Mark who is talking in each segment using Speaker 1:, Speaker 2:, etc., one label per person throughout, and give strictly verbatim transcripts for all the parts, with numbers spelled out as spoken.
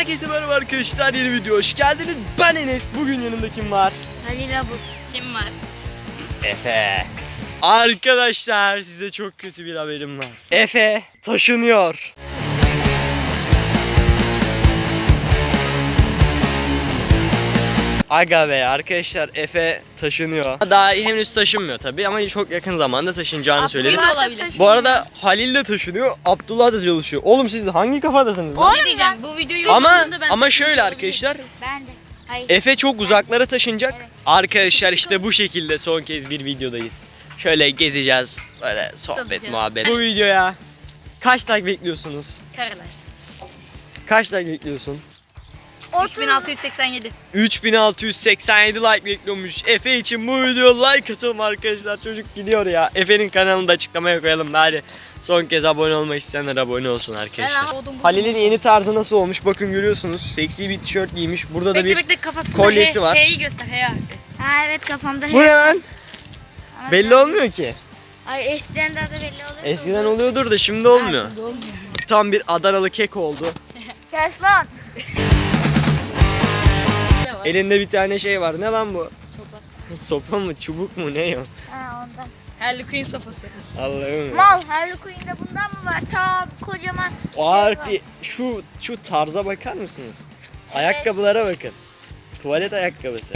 Speaker 1: Herkese merhaba arkadaşlar, yeni video hoş geldiniz. Ben Enes. Bugün yanımda kim var?
Speaker 2: Halil Abut. Kim var?
Speaker 1: Efe. Arkadaşlar size çok kötü bir haberim var. Efe taşınıyor. Aga be arkadaşlar, Efe taşınıyor. Daha henüz taşınmıyor tabii ama çok yakın zamanda taşınacağını söyledi.
Speaker 2: Abdullah da olabilir.
Speaker 1: Bu arada Halil de taşınıyor, Abdullah da çalışıyor. Oğlum siz hangi kafadasınız lan?
Speaker 2: Ne diyeceğim? Bu videoyu
Speaker 1: Ama
Speaker 2: yayınladığında ben
Speaker 1: ama şöyle
Speaker 2: taşınmış
Speaker 1: arkadaşlar,
Speaker 2: Ben de. Hayır.
Speaker 1: Efe çok uzaklara taşınacak. Arkadaşlar işte bu şekilde son kez bir videodayız. Şöyle gezeceğiz, böyle sohbet
Speaker 2: Tazacağız.
Speaker 1: muhabbet. Bu videoya kaç like bekliyorsunuz?
Speaker 2: Kareler.
Speaker 1: Kaç like bekliyorsun?
Speaker 2: üç bin altı yüz seksen yedi.
Speaker 1: üç bin altı yüz seksen yedi like bekliyormuş. Efe için bu video like atalım arkadaşlar. Çocuk gidiyor ya. Efe'nin kanalını da açıklamaya koyalım. Hadi son kez abone olmak isteyenler abone olsun arkadaşlar. Halil'in yeni tarzı nasıl olmuş? Bakın görüyorsunuz. Seksi bir tişört giymiş. Burada da
Speaker 2: Bekle
Speaker 1: bir
Speaker 2: bekle kafasında
Speaker 1: kolyesi
Speaker 2: he,
Speaker 1: var.
Speaker 2: H'yi göster he artık.
Speaker 3: Ha evet kafamda.
Speaker 1: Bu ne lan? Belli olmuyor ki.
Speaker 3: Ay eskiden daha da belli oluyor.
Speaker 1: Eskiden oluyordur da şimdi olmuyor.
Speaker 2: Olmuyor.
Speaker 1: Tam bir Adanalı kek oldu.
Speaker 3: Kes lan.
Speaker 1: Elinde bir tane şey var. Ne lan bu?
Speaker 2: Sopa.
Speaker 1: Sopa mı? Çubuk mu? Ne o?
Speaker 3: Ha ondan.
Speaker 2: Harley Quinn sopası.
Speaker 1: Allah'ım ya.
Speaker 3: Mal Harley Quinn'de bundan mı var? Ta kocaman.
Speaker 1: O harbi şu şu tarza bakar mısınız? Ayakkabılara bakın. Tuvalet ayakkabısı.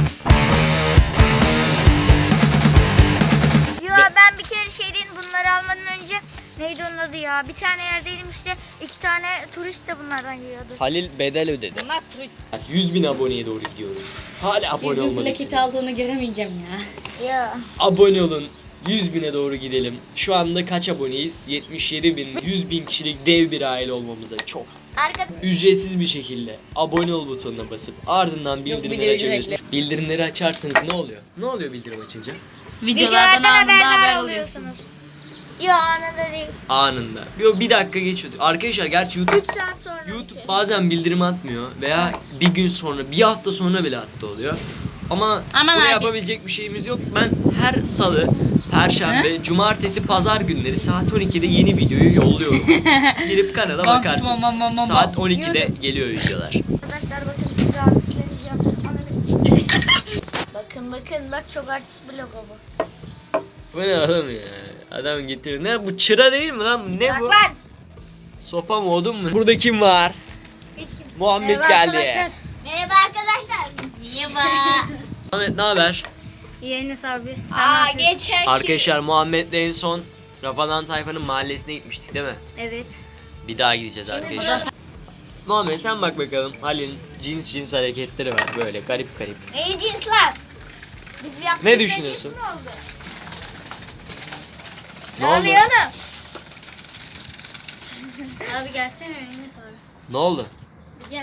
Speaker 3: Ya ben bir kere şeyden bunları almadan önce neydi onun adı ya? Bir tane yerdeydim işte iki tane turist de bunlardan yiyordu.
Speaker 1: Halil bedel ödedi.
Speaker 2: Bunlar turist.
Speaker 1: yüz bin aboneye doğru gidiyoruz. Hala abone
Speaker 2: yüz bin
Speaker 1: olmalısınız.
Speaker 2: plaketi aldığını göremeyeceğim ya.
Speaker 3: Ya.
Speaker 1: Abone olun. yüz bine doğru gidelim. Şu anda kaç aboneyiz? yetmiş yedi bin. yüz bin kişilik dev bir aile olmamıza çok az.
Speaker 3: Arkada
Speaker 1: Ücretsiz bir şekilde abone ol butonuna basıp ardından bildirimleri
Speaker 2: videoyu
Speaker 1: açabilirsiniz. Bildirimleri açarsanız ne oluyor? Ne oluyor bildirim açınca?
Speaker 2: Videolardan anında haber alıyorsunuz.
Speaker 3: Yo anında değil.
Speaker 1: Anında. Yo, bir dakika geçiyor. Arkadaşlar gerçi YouTube
Speaker 3: üç saat sonra.
Speaker 1: YouTube bazen bildirim atmıyor veya bir gün sonra, bir hafta sonra bile attı oluyor. Ama
Speaker 2: Aman
Speaker 1: buna
Speaker 2: abi.
Speaker 1: yapabilecek bir şeyimiz yok. Ben her salı, perşembe, cumartesi, pazar günleri saat on ikide yeni videoyu yolluyorum. Girip kanala
Speaker 2: Bam,
Speaker 1: bakarsınız.
Speaker 2: bam, bam, bam,
Speaker 1: Saat
Speaker 2: bam.
Speaker 1: on ikide geliyor videolar.
Speaker 3: Arkadaşlar bakın size artist vereceğim. Ananı- bakın bakın bak çok artist bir logo bu.
Speaker 1: Bu ne oğlum ya? Adam getir. Ne bu, çıra değil mi lan? Ne
Speaker 3: Bak
Speaker 1: bu?
Speaker 3: lan.
Speaker 1: Sopa mı, odun mu? Burada kim var?
Speaker 3: Hiç kim-
Speaker 1: Muhammed
Speaker 2: Merhaba
Speaker 1: geldi.
Speaker 2: arkadaşlar.
Speaker 3: Merhaba arkadaşlar.
Speaker 2: Merhaba.
Speaker 1: Muhammed ne haber?
Speaker 2: Enes abi. Sen
Speaker 3: Aa geçer ki.
Speaker 1: Arkadaşlar Muhammed'le en son Rafadan Tayfa'nın mahallesine gitmiştik değil mi?
Speaker 2: Evet.
Speaker 1: Bir daha gideceğiz arkadaşlar. Muhammed sen bak bakalım. Halil'in cins cins hareketleri var böyle garip garip.
Speaker 3: Ne cinsler? Biz yaptık.
Speaker 1: Ne düşünüyorsun?
Speaker 3: Ne oldu?
Speaker 1: Ne
Speaker 3: Ne
Speaker 1: oldu?
Speaker 3: oluyor oğlum?
Speaker 2: Abi gelsene Enes abi.
Speaker 1: Ne oldu?
Speaker 2: Gel.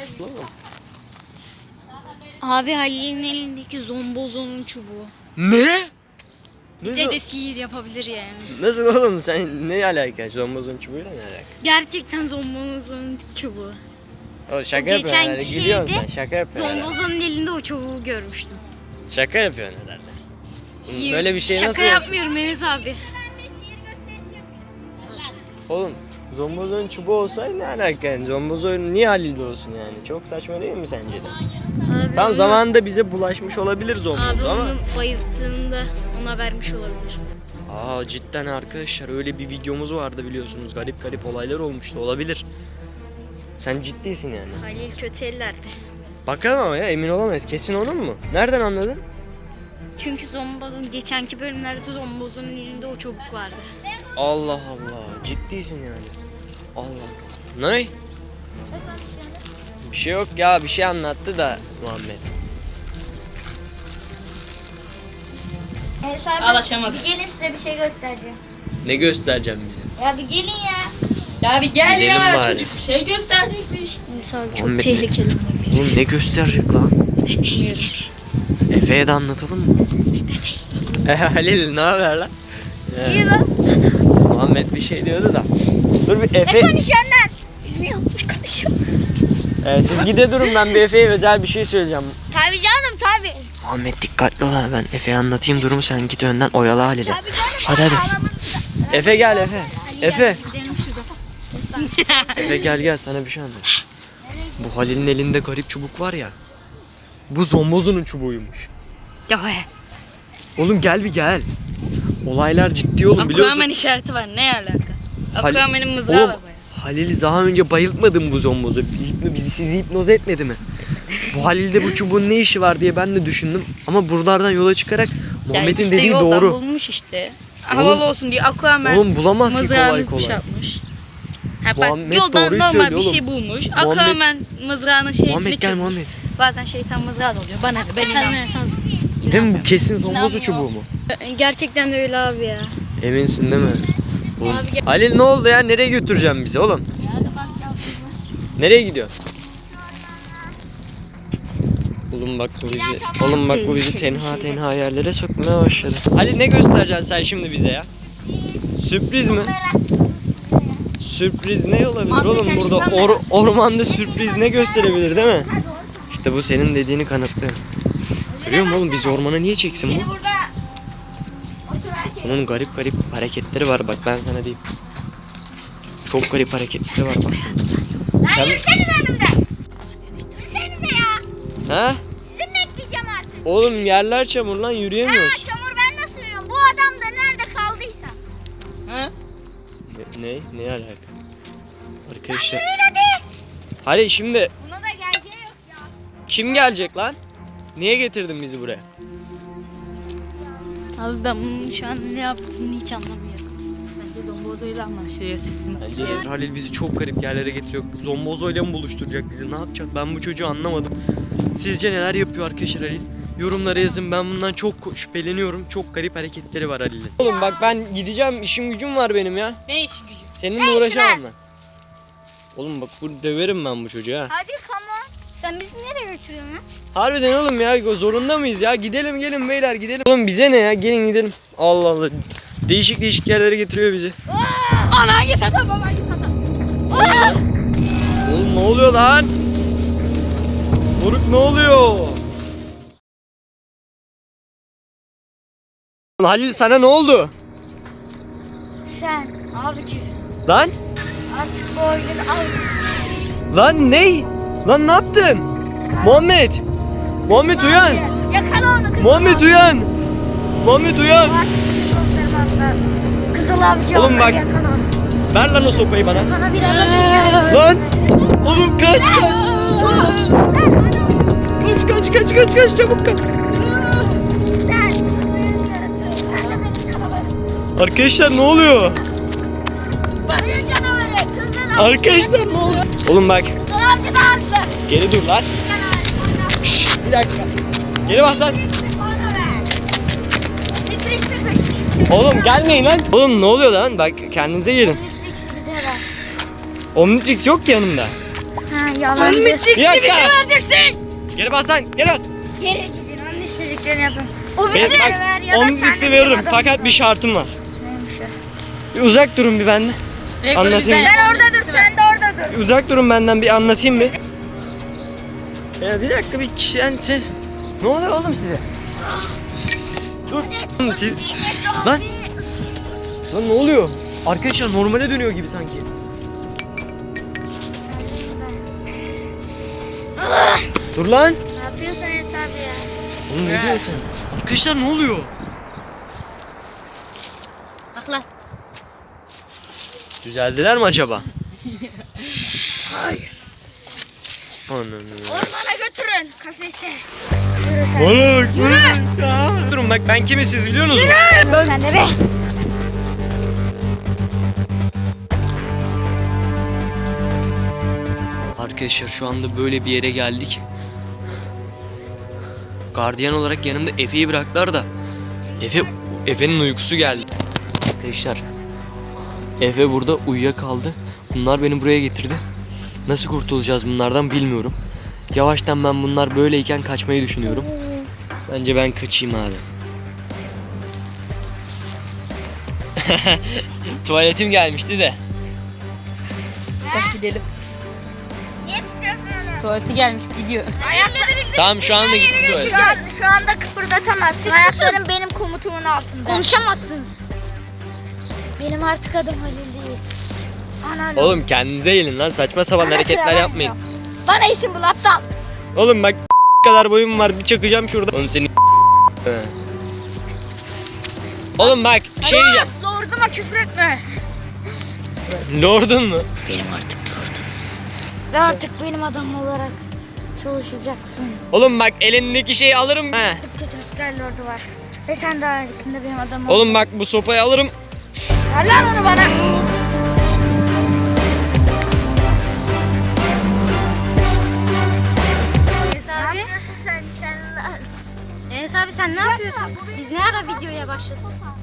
Speaker 2: Abi Halil'in elindeki zombozonun çubuğu.
Speaker 1: Ne?
Speaker 2: Bize de sihir yapabilir yani.
Speaker 1: Nasıl oğlum, sen ne alaka? Zombozun çubuğuyla ne alaka?
Speaker 2: Gerçekten zombozonun çubuğu.
Speaker 1: O şaka
Speaker 2: O
Speaker 1: yapıyorsun
Speaker 2: geçen
Speaker 1: herhalde.
Speaker 2: şeyde
Speaker 1: Gülüyorsun sen, şaka yapıyorsun herhalde.
Speaker 2: Zombozonun elinde o çubuğu görmüştüm.
Speaker 1: Şaka yapıyorsun herhalde. Oğlum, Böyle bir şey
Speaker 2: Şaka
Speaker 1: nasıl olsun?
Speaker 2: yapmıyorum Enes abi.
Speaker 1: Oğlum zombozun çubuğu olsaydı ne alaka yani? Zombozun niye Halil'de olsun yani? Çok saçma değil mi sence de?
Speaker 2: Abi
Speaker 1: Tam
Speaker 2: onu-
Speaker 1: zamanında bize bulaşmış olabilir
Speaker 2: Abi
Speaker 1: zomboz ama.
Speaker 2: onu bayılttığında ona vermiş olabilir.
Speaker 1: Aa cidden arkadaşlar, öyle bir videomuz vardı biliyorsunuz. Garip garip olaylar olmuştu, olabilir. Sen ciddisin yani.
Speaker 2: Halil kötü ellerde.
Speaker 1: Bakalım ama ya, emin olamayız. Kesin onun mu? Nereden anladın?
Speaker 2: Çünkü zombozun geçenki bölümlerde zombozun elinde o çubuk vardı.
Speaker 1: Allah Allah, ciddisin yani. Allah. Ne? Bir şey yok ya, bir şey anlattı da Muhammed.
Speaker 3: Enes abi,
Speaker 2: Al, açamadım.
Speaker 3: Bir gelin size bir şey göstereceğim.
Speaker 1: Ne göstereceğim bize?
Speaker 3: Ya bir gelin ya.
Speaker 2: Ya bir gel
Speaker 1: Gidelim
Speaker 2: ya
Speaker 1: bari.
Speaker 2: çocuk bir şey gösterecekmiş. Enes abi çok
Speaker 1: Muhammed,
Speaker 2: tehlikeli.
Speaker 1: Oğlum ne gösterecek lan? Efe'ye de anlatalım mı? İşte değil. E Halil ne haber lan?
Speaker 3: İyi lan.
Speaker 1: Muhammed bir şey diyordu da. Dur bir Efe.
Speaker 3: Ne konuşuyorsun lan? Bilmiyorum ne konuşuyorum.
Speaker 1: Ee, siz gide durun, ben bir Efe'ye özel bir şey söyleyeceğim.
Speaker 3: Tabii canım tabii.
Speaker 1: Muhammed dikkatli ol ha, ben Efe'ye anlatayım durumu, sen git önden oyala Halil'i.
Speaker 3: Tabii canım.
Speaker 1: Hadi hadi.
Speaker 3: Ağlamanı-
Speaker 1: Efe gel Efe. Efe.
Speaker 2: Gidelim şurada.
Speaker 1: Efe gel gel, sana bir şey anlatayım.
Speaker 3: Nereye
Speaker 1: Bu Halil'in elinde garip çubuk var ya. Bu zombozunun çubuğuymuş.
Speaker 2: Ya he.
Speaker 1: Oğlum gel bir gel. Olaylar ciddi oğlum biliyorsun.
Speaker 2: Aquaman işareti var. Ne alaka?
Speaker 1: Hal-
Speaker 2: Aquaman'ın mızrağı
Speaker 1: Oğlum,
Speaker 2: var bayağı.
Speaker 1: Halil'i daha önce bayıltmadım bu zombozu. Hipno- Bizi sizi hipnoz etmedi mi? Bu Halil'de bu çubuğun ne işi var diye ben de düşündüm. Ama buralardan yola çıkarak Muhammed'in
Speaker 2: işte
Speaker 1: dediği
Speaker 2: yoldan
Speaker 1: doğru.
Speaker 2: bulmuş işte. Havalı olsun diye Aquaman
Speaker 1: Oğlum bulamaz ki
Speaker 2: mızrağını
Speaker 1: kolay kolay.
Speaker 2: şey yapmış. Ha, bak,
Speaker 1: Muhammed
Speaker 2: yoldan
Speaker 1: doğruyu
Speaker 2: normal
Speaker 1: söylüyor
Speaker 2: bir
Speaker 1: oğlum.
Speaker 2: şey bulmuş.
Speaker 1: Muhammed-
Speaker 2: Aquaman mızrağının şeysini
Speaker 1: Muhammed gel
Speaker 2: çizmiş.
Speaker 1: Muhammed.
Speaker 2: Bazen şeytan mızrağı da oluyor. Bana ne? Ben inanmıyorum.
Speaker 1: Değil mi bu kesin zombozu çubuğu mu?
Speaker 2: Gerçekten de öyle abi ya.
Speaker 1: Eminsin değil mi? Oğlum. Halil ne oldu ya? Nereye götüreceğim bizi oğlum? Nereye gidiyorsun? Oğlum bak bu bizi, oğlum bak bu bizi tenha tenha yerlere sokmaya başladı. Halil ne göstereceksin sen şimdi bize ya? Sürpriz mi? Sürpriz ne olabilir
Speaker 2: Mantıken
Speaker 1: oğlum burada
Speaker 2: insan
Speaker 1: or- ormanda sürpriz ne gösterebilir değil mi? İşte bu senin dediğini kanıtlıyor. Görüyor musun oğlum biz ormana niye çeksin bu? Onun garip garip hareketleri var bak ben sana diyeyim. Çok garip hareketleri var bak.
Speaker 3: Lan yürüseniz önümden. Yürüsenize ya.
Speaker 1: Ha?
Speaker 3: Sizi mi bekleyeceğim artık?
Speaker 1: Oğlum yerler çamur lan
Speaker 3: Ha,
Speaker 1: yürüyemiyoruz.
Speaker 3: çamur ben nasıl yürüyorum? Bu adam da nerede kaldıysa.
Speaker 2: Ha?
Speaker 1: Ne? Ne, ne alaka? Arkadaşlar.
Speaker 3: Yürüyün hadi.
Speaker 1: Hadi şimdi
Speaker 3: Buna da geleceği yok ya.
Speaker 1: kim gelecek lan? Niye getirdin bizi buraya?
Speaker 2: Abi ben bunun şu an ne yaptığını hiç anlamıyorum. Bence zombozuyla anlaşılıyor sistem.
Speaker 1: Bence Halil bizi çok garip yerlere getiriyor. Zombozoyla mı buluşturacak bizi? Ne yapacak? Ben bu çocuğu anlamadım. Sizce neler yapıyor arkadaşlar Halil? Yorumlara yazın. Ben bundan çok şüpheleniyorum. Çok garip hareketleri var Halil'in. Oğlum bak ben gideceğim. İşim gücüm var benim ya.
Speaker 2: Ne iş gücü?
Speaker 1: Seninle
Speaker 3: Ne işi
Speaker 1: uğraşamam
Speaker 3: var?
Speaker 1: ben. Oğlum bak bu döverim ben bu çocuğu ha.
Speaker 3: Hadi come on. Sen bizi nereye götürüyorsun ya?
Speaker 1: Harbiden oğlum ya zorunda mıyız ya? Gidelim gelin beyler gidelim. Oğlum bize ne ya? Gelin gidelim. Allah Allah. Değişik değişik yerlere getiriyor bizi.
Speaker 2: Ana git hadi baba git hadi.
Speaker 1: Oğlum ne oluyor lan? Moruk ne oluyor? Halil sana ne oldu?
Speaker 3: Sen abici
Speaker 1: Lan?
Speaker 3: artık bu oyunu al.
Speaker 1: Lan ne? Lan ne yaptın? Muhammed. Muhammed uyan.
Speaker 3: Yakala onu kızıl
Speaker 1: Muhammed
Speaker 3: avcı.
Speaker 1: uyan. Muhammed uyan.
Speaker 3: Artık kızıl avcı. Kızıl avcı.
Speaker 1: Oğlum
Speaker 3: onları
Speaker 1: bak.
Speaker 3: yakala onu.
Speaker 1: Ver lan o sopayı bana.
Speaker 3: Sana biraz atacağım.
Speaker 1: Lan. Oğlum kaç kaç. Kaç kaç kaç kaç kaç çabuk kaç.
Speaker 3: Sen. Sen de benim canavarım.
Speaker 1: Arkadaşlar ne oluyor?
Speaker 3: Benim canavarım. Kızıl avcı.
Speaker 1: Arkadaşlar ne oluyor? Oğlum bak.
Speaker 3: Kızıl avcı da haklı.
Speaker 1: Geri dur lan.
Speaker 3: Canavarım.
Speaker 1: Şşş, bir dakika. Geri bas lan.
Speaker 3: Bana ver. Litrek sıfır.
Speaker 1: Oğlum gelmeyin lan. Oğlum ne oluyor lan? Bak kendinize gelin.
Speaker 3: Litrek bize ver.
Speaker 1: Omnitrix yok ki yanımda.
Speaker 3: Ha yalancı.
Speaker 1: Bir dakika.
Speaker 2: vereceksin.
Speaker 1: Geri bas lan. Geri bas.
Speaker 3: Geri gidin. Onun istediklerini yapın. O
Speaker 1: Ben-
Speaker 3: bizi
Speaker 1: bak,
Speaker 3: ver ya da
Speaker 1: Omnitrix'i
Speaker 3: sen de
Speaker 1: veririm.
Speaker 3: bizim
Speaker 1: Fakat bir şartım var.
Speaker 3: Neymiş o?
Speaker 1: Bir uzak durun bir benden. Anlatayım.
Speaker 3: Sen orada dur, sen de orada dur.
Speaker 1: Bir uzak durun benden bir anlatayım bir. Ya bir dakika bir sen ses. Ne oluyor oğlum size? Dur. Oğlum Siz lan. Lan ne oluyor? Arkadaşlar normale dönüyor gibi sanki. Dur lan.
Speaker 3: Ne yapıyorsun hesabı ya?
Speaker 1: Oğlum ne diyorsun sen? Arkadaşlar ne oluyor?
Speaker 2: Bak lan.
Speaker 1: Düzeldiler mi acaba? Hayır. Ananı.
Speaker 3: Ormana götürün kafese.
Speaker 1: Balık, balık ya. Durun bak ben kimi siz biliyorsunuz mu? Ben...
Speaker 3: Sen de be.
Speaker 1: Arkadaşlar şu anda böyle bir yere geldik. Gardiyan olarak yanımda Efe'yi bıraktılar da Efe Efe'nin uykusu geldi. Arkadaşlar Efe burada uyuyakaldı. Bunlar beni buraya getirdi. Nasıl kurtulacağız bunlardan bilmiyorum. Yavaştan ben bunlar böyleyken kaçmayı düşünüyorum. Bence ben kaçayım abi. Tuvaletim gelmişti de.
Speaker 2: Kaç gidelim.
Speaker 3: Niye tutuyorsun onu?
Speaker 2: Tuvaleti gelmiş gidiyor.
Speaker 3: Ayaklarını
Speaker 1: Tamam şu anda gittim tuvalet.
Speaker 3: şu, an, şu anda kıpırdatamazsın. Ayakların benim komutumun altında.
Speaker 2: Konuşamazsınız.
Speaker 3: Benim artık adım Halil değil. Ana
Speaker 1: Oğlum kendinize gelin lan saçma sapan
Speaker 3: Bana
Speaker 1: hareketler
Speaker 3: kıramam
Speaker 1: yapmayın.
Speaker 3: yok. Bana isim bul aptal.
Speaker 1: Oğlum bak kadar boyum var bir çakacağım şurada. Oğlum seni Oğlum bak bir şey diyeceğim.
Speaker 3: Lorduma küfür etme.
Speaker 1: Lordun mu?
Speaker 3: Benim artık lordumuz. Ve artık benim adam olarak çalışacaksın.
Speaker 1: Oğlum bak elindeki şeyi alırım. He.
Speaker 3: Kötülükler lordu var. Ve sen daha yakında benim adamım.
Speaker 1: Oğlum bak bu sopayı alırım.
Speaker 3: Ver lan onu bana.
Speaker 2: Enes abi.
Speaker 3: sen? Sen
Speaker 2: Enes abi sen ne yapıyorsun? Biz ne ara videoya başladık?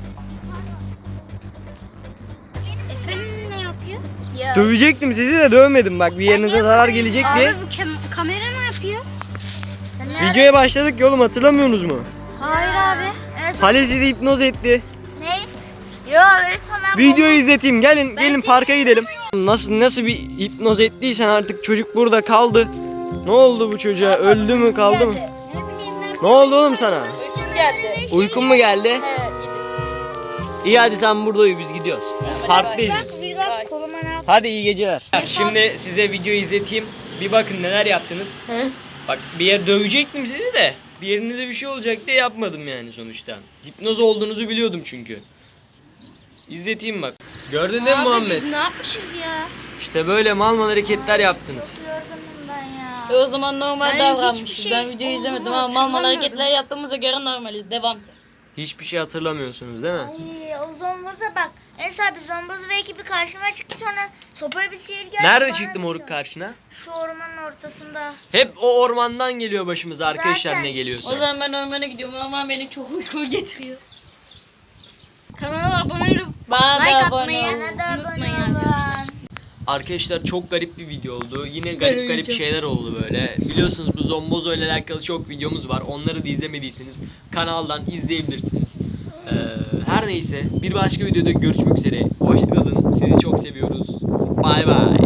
Speaker 2: Efendim ne yapıyor?
Speaker 1: Dövecektim sizi de dövmedim bak bir yerinize zarar gelecek diye.
Speaker 2: Abi bu kem- kamera ne yapıyor?
Speaker 1: Videoya başladık ya oğlum hatırlamıyorsunuz mu?
Speaker 2: Hayır abi.
Speaker 1: Hale sizi hipnoz etti.
Speaker 3: Ne? Yo resmen
Speaker 1: Videoyu izleteyim gelin gelin parka gidelim. Nasıl nasıl bir hipnoz ettiysen artık çocuk burada kaldı. Ne oldu bu çocuğa? Öldü mü kaldı mı? Ne oldu oğlum sana?
Speaker 2: Uykum geldi.
Speaker 1: Uykun mu geldi?
Speaker 2: Evet.
Speaker 1: İyi hadi sen burada uyu biz gidiyoruz. Parktayız biz.
Speaker 3: biraz koluma ne yap?
Speaker 1: Hadi iyi geceler. Şimdi size videoyu izleteyim. Bir bakın neler yaptınız. Bak bir yer dövecektim sizi de. Bir yerinize bir şey olacak diye yapmadım yani sonuçta. Hipnoz olduğunuzu biliyordum çünkü. İzleteyim bak. Gördün değil mi
Speaker 2: Abi
Speaker 1: Muhammed?
Speaker 2: biz ne yapmışız ya?
Speaker 1: İşte böyle mal mal hareketler yaptınız.
Speaker 3: Yorgunum ben ya.
Speaker 4: E o zaman normal
Speaker 2: Ben
Speaker 4: davranmışız.
Speaker 2: hiçbir şey
Speaker 4: Ben videoyu izlemedim
Speaker 2: olduğunu
Speaker 4: ama mal mal
Speaker 2: hatırlamıyorum.
Speaker 4: hareketler yaptığımıza göre normaliz. Devam.
Speaker 1: Hiçbir şey hatırlamıyorsunuz değil mi?
Speaker 3: Ay, o zomboza bak. Enes abi zomboz ve ekibi karşıma çıktı sonra sopaya bir sihir geldi.
Speaker 1: Nerede
Speaker 3: bana
Speaker 1: çıktı
Speaker 3: bir
Speaker 1: moruk
Speaker 3: şey-
Speaker 1: karşına?
Speaker 3: Şu ormanın ortasında.
Speaker 1: Hep o ormandan geliyor başımıza arkadaşlar
Speaker 3: Zaten.
Speaker 1: ne
Speaker 4: O
Speaker 1: geliyorsa.
Speaker 4: zaman ben ormana gidiyorum ama beni çok uyku getiriyor.
Speaker 2: Kanala abone olup
Speaker 4: Bana
Speaker 2: like
Speaker 4: da abone
Speaker 2: atmayı
Speaker 4: olun.
Speaker 3: Bana da abone
Speaker 2: unutmayın
Speaker 3: olun.
Speaker 2: arkadaşlar.
Speaker 1: Arkadaşlar çok garip bir video oldu. Yine garip garip şeyler oldu böyle. Biliyorsunuz bu Zombozo ile alakalı çok videomuz var. Onları da izlemediyseniz kanaldan izleyebilirsiniz. Ee, her neyse bir başka videoda görüşmek üzere. Hoşça kalın. Sizi çok seviyoruz. Bay bay.